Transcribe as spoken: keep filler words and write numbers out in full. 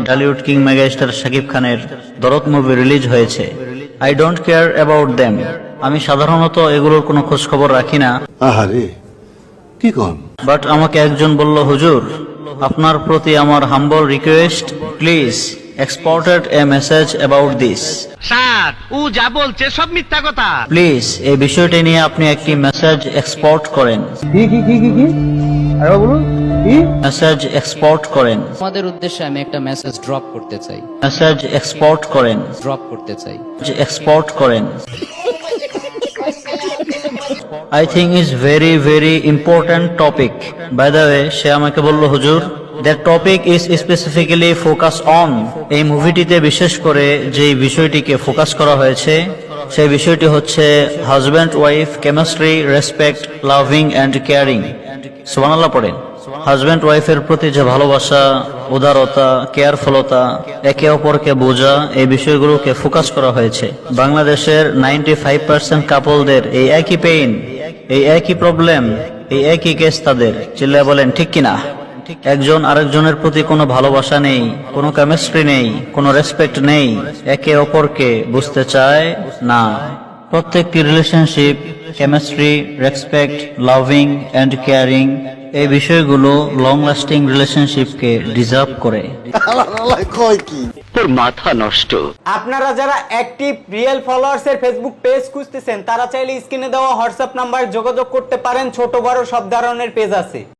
Dhallywood king megastar Shakib খানের Dorod movie release হয়েছে। I don't care about them. আমি সাধারণত এগুলোর কোনো খোঁজ খবর রাখি না। আহারে কি কোন? বাট আমাকে একজন বলল, হুজুর আপনার প্রতি আমার humble request, please exported a message about this. Sir ও যা বলছে সব মিথ্যা কথা। প্লিজ এই বিষয়টি নিয়ে আপনি একটি মেসেজ এক্সপোর্ট করেন। কি কি কি কি কি আরে বলুন কি মেসেজ এক্সপোর্ট করেন। আমাদের উদ্দেশ্যে আমি একটা মেসেজ ড্রপ করতে চাই মেসেজ এক্সপোর্ট করেন। ড্রপ করতে চাই এক্সপোর্ট করেন। I think is very very important topic. By the way, সে আমাকে বলল, হুজুর that topic is specifically focus on. এই মুভিটিতে বিশেষ করে যে বিষয়টিকে ফোকাস করা হয়েছে সেই বিষয়টি হচ্ছে husband wife chemistry, respect, loving and caring. সুবহানাল্লাহ পড়েন। হাজব্যান্ড ওয়াইফের প্রতি যে ভালোবাসা, উদারতা, কেয়ারফুলতা, একে অপরকে বোঝা, এই বিষয়গুলোকে ফোকাস করা হয়েছে। বাংলাদেশের নাইনটি ফাইভ পার্সেন্ট কাপলদের এই একই পেইন, এই একই প্রবলেম, এই একই কেস তাদের। চিল্লায় বলেন ঠিক কিনা? একজন আরেকজনের প্রতি কোনো ভালোবাসা নেই, কোনো কেমিস্ট্রি নেই, কোনো রেসপেক্ট নেই, একে অপরকে বুঝতে চায় না। প্রত্যেকটি relationship chemistry, respect, loving and caring এই বিষয়গুলো লং লাস্টিং রিলেশনশিপকে ডিজার্ভ করে। কয় কি? তোর মাথা নষ্ট। আপনারা যারা অ্যাক্টিভ রিয়েল ফলোয়ার্স এর ফেসবুক পেজ খুঁজতেছেন তারা চাইলে স্ক্রিনে দেওয়া হোয়াটসঅ্যাপ নাম্বার যোগাযোগ করতে পারেন। ছোট বড় সব ধরনের পেজ আছে।